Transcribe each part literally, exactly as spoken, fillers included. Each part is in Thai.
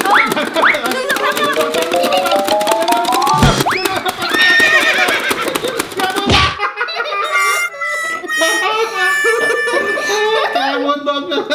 แคมูนโดนกัน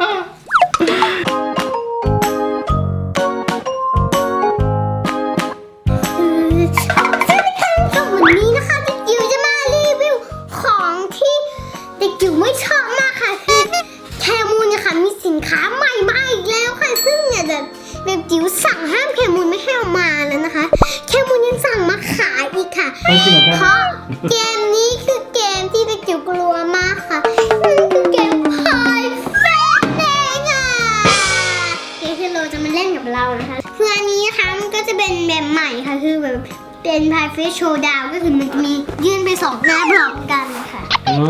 สินค้าใหม่มาอีกแล้วค่ะซึ่งเนี่ยแบบแบบจิ๋วสั่งห้ามแคมูนไม่ให้เอามาแล้วนะคะแคมูนยังสั่งมาขายอีกค่ะเพราะเกมนี้คือเกมที่เด็กจิ๋วกลัวมากค่ะมันคือเกมพายเฟสเองอ่ะเกมที่เราจะมาเล่นกับเรานะคะคืออันนี้นะคะมันก็จะเป็นแบบใหม่ค่ะคือแบบเป็นพายเฟสโชว์ดาวก็คือมันจะมียื่นไปสองหน้าพร้อมกันค่ะอ๋อ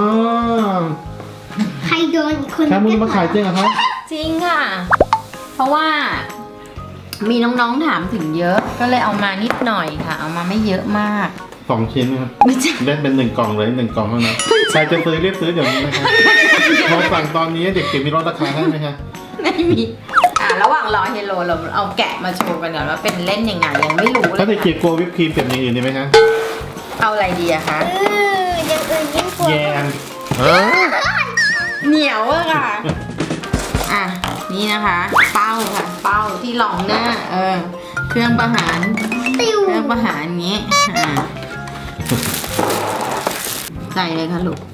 ใครโดนอีกคนแคมูนมาขายจริงเหรอครับจริงค่ะเพราะว่ามีน้องๆถามถึงเยอะก็เลยเอามานิดหน่อยค่ะเอามาไม่เยอะมากสองชิ้นครับเล่นเป็นหนึ่งกล่องเลยหนึ่งกล่องเท่านั้นใครจะซื้อรีบซื้อเดี๋ยวนี้นะครับพอสั่งตอนนี้เด็กจิ๋วมีลดราคาให้ไหมคะไม่มีอ่าระหว่างรอเฮโลเราเอาแกะมาโชว์กันก่อนว่าเป็นเล่นยังไงยังไม่รู้เลยถ้าเด็กจิ๋วกลัววิปครีมเปลี่ยนอย่างอื่นได้ไหมคะเอาอะไรดีอะคะเออยังอื่นยังกลัวแยมเหนียวอะค่ะอ่ะนี่นะคะเป้าค่ะเป้าที่รองหน้าเออเครื่องประหารเครื่องประหารอย่างนี้อ่าใส่เลยค่ะลูก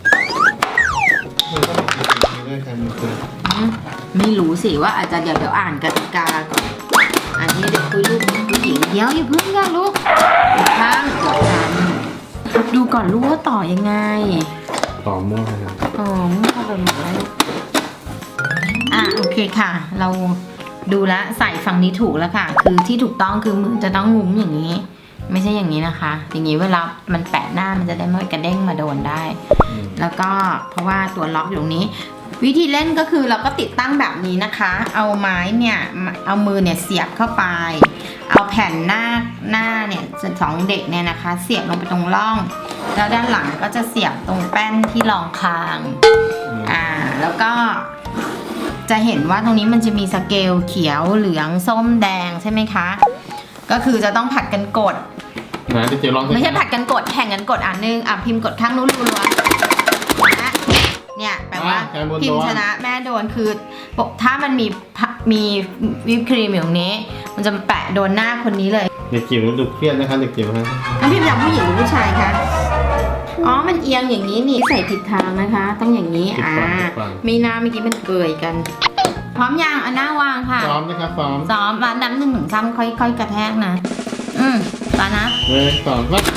ไม่รู้สิว่าอาจจะเดี๋ยวเดี๋ยวอ่านกติกาก่อนอันนี้เด็กคุยลูกผู้หญิงเดี๋ยวอย่าเพิ่งกันลูกข้างกดกันดูก่อนลูกว่าต่อยังไงต่อมั่วนะครับอ๋อมั่วไปหมดแล้วอ่ะโอเคค่ะเราดูแลใส่ฝั่งนี้ถูกแล้วค่ะคือที่ถูกต้องคือมือจะต้องงุ้มอย่างนี้ไม่ใช่อย่างนี้นะคะอย่างนี้เวลามันแปะหน้ามันจะได้ไม่กระเด้งมาโดนได้แล้วก็เพราะว่าตัวล็อกอยู่ตรงนี้วิธีเล่นก็คือเราก็ติดตั้งแบบนี้นะคะเอาไม้เนี่ยเอามือเนี่ยเสียบเข้าไปเอาแผ่นหน้าหน้าเนี่ยสองเด็กเนี่ยนะคะเสียบลงไปตรงร่องแล้วด้านหลังก็จะเสียบตรงแป้นที่รองคางอ่าแล้วก็จะเห็นว่าตรงนี้มันจะมีสเกลเขียวเหลืองส้มแดงใช่ไหมคะก็คือจะต้องผัดกันกดไม่ใช่ผัดกันกดแข่งกันกดอ่านนึงอ่ะพิมพ์กดข้างนู้นรัวๆเนี่ยแปลว่าพิมพ์ชนะแม่โดนคือถ้ามันมีมีวิปครีมอยู่ตรงนี้มันจะแปะโดนหน้าคนนี้เลยเด็กจิ๋วดูเครียดนะคะเด็กจิ๋วฮะน้องพิมพ์จากผู้หญิงหรือผู้ชายคะอ๋อมันเอียงอย่างนี้นี่ใส่ผิดทางนะคะต้องอย่างนี้อ่าไม่น่าเมื่อกี้มันเกยกันพร้อมยังเอาหน้าวางค่ะซ้อมนะครับซ้อมซ้อมมาน้ำหนึ่งถึงซ้ำค่อยๆกระแทกนะอืมตอนนะหนึ่งสองสาม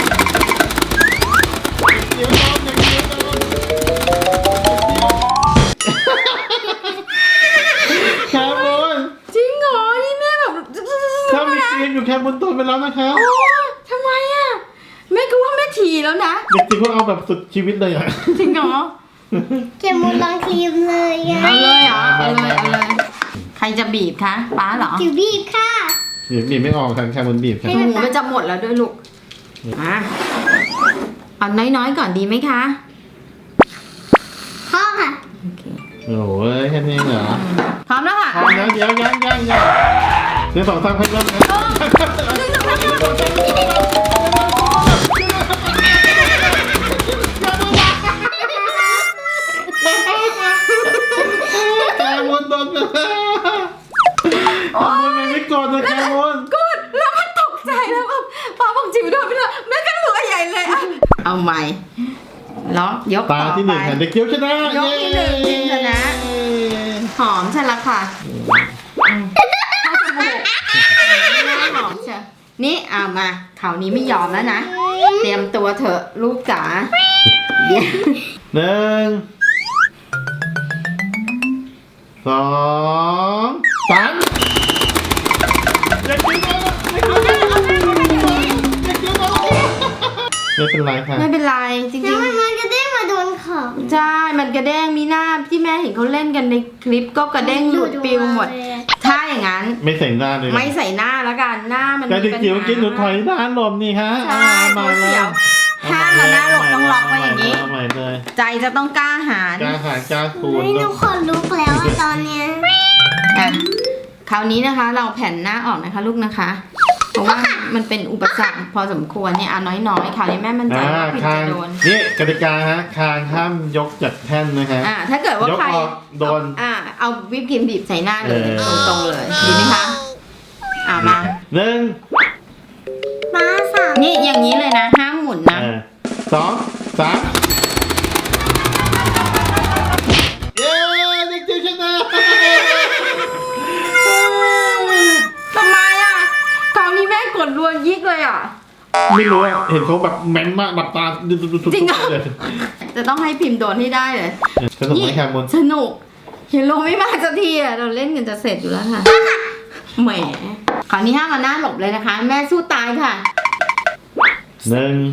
เดี๋ยวซ้อมอย่างนี้แคมูนจริงเหรอนี่แม่แบบถ้ามีเกมอยู่แคมูนตัวไปแล้วนะคะโอ้ทำไมอ่ะแม่ก็ว่าแม่ทีแล้วนะเด็กจิ๋วเขาเอาแบบสุดชีวิตเลยอ่ะจริงเหรอแคมูนลองครีมเลยเอาเลยเหรอเอาเลยเอาเลยใครจะบีบคะป้าเหรอจิ๋วบีบค่ะบีบบีบไม่ออกค่ะแคมูนบีบค่ะหมูมันจะหมดแล้วด้วยลูกมาเอาน้อยๆก่อนดีไหมคะพ่อค่ะโอเคโอ้ยแค่นี้เหรอพร้อมแล้วค่ะพร้อมแล้วเดี๋ยวยังยังยังเดี๋ยวสองสามให้เริ่มนะแคมูนโดนกันแคมูนไม่กดเลยแคมูนกดแล้วมันตกใจแล้วแบบป้าบอกจิ๋วโดนไปแล้วแม่ก็เหลือใหญ่เลยอ่ะเอาใหม่ล็อกยกต่อไปตาที่หนึ่งเด็กจิ๋วชนะยกที่หนึ่งจิ๋วชนะหอมใช่ละค่ะหอมใช่นี่เอามาข่าวนี้ไม่ยอมแล้วนะเตรียมตัวเถอะลูกจ๋าหนึ่งสองสามไม่เป็นไรค่ะไม่เป็นไรจริงๆมันกระเด้งมาโดนของใช่มันกระเด้งมีหน้าที่แม่เห็นเขาเล่นกันในคลิปก็กระเด้งหลุดปิวหมดถ้าอย่างนั้นไม่ใส่หน้าเลยไม่ใส่หน้าแล้วกันหน้ามันกระดิ่งจิ๋วกินหนูถอยหน้าลมนี่ฮะมาแล้วห้ามหน้าหลบต้องล็อกไว้อย่างนี้ใจจะต้องกล้าหาญกล้าหาญกล้าคูณไม่ต้องขนลุกแล้วตอนเนี้ยอ่ะคราวนี้นะคะ เราแผ่นหน้าออกนะคะลูกนะคะ เพราะว่ามันเป็นอุปสรรคพอสมควรเนี่ยอ่ะน้อยๆคราวนี้แม่มั่นใจอ่าว่าผิดคางจะโดนนี่กติกาฮะคางห้ามยกจากแท่นนะฮะอ่าถ้าเกิดว่ายกใครออกโดนอ่าเอาวิปครีมบีบใส่หน้าเลยเออตรงๆเลยดีไหมคะอ่ามาหนึ่งมาสามนี่อย่างนี้เลยนะห้ามหมุนนะเออสองสามเย้เด็กจิ๋วชนะทำไมอ่ะคราวนี้แม่กดรัวยิกเลยอ่ะไม่รู้อะเห็นเขาแบบแม่นมากหลับตาดุดดุดดุดจริงเหรอเลยจะต้องให้พิมพ์โดนให้ได้เลยสนุกไหมแคมบนสนุกเฮโลไม่มาสักทีอ่ะเราเล่นกันจะเสร็จอยู่แล้วค่ะแหมคราวนี้ห้ามมาหน้าหลบเลยนะคะ แม่สู้ตายค่ะหนึ่ง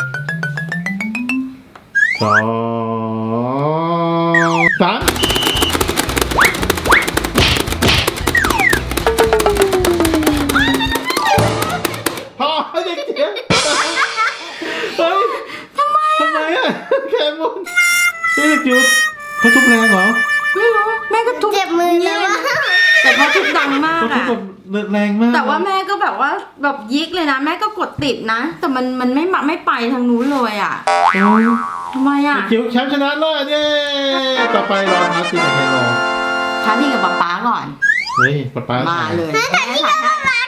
สองสามพอเด็กจิ๋วเฮ้ยทำไมทำไมอะแคมบนเฮ้ยเด็กจิ๋วเขาทุบแรงเหรอไม่รู้แม่ก็ทุบเจ็บมือแล้วอะแต่พอทุบดังมากเขาทุบอ่ะแบบแรงมากแต่ว่าแม่ก็แบบว่าแบบยิกเลยนะ แม่ก็กดติดนะ แต่มันมันไม่มาไม่ไปทางนู้นเลยอ่ะทำไมอ่ะเด็กจิ๋วแชมป์ชนะเลิศเย้ต่อไปรอท้าชิงกับเฮโลท้าที่กับป๊าป๊าก่อนเฮ้ยป๊าป๊ามาถ่ายเลยแม่ถ่ายให้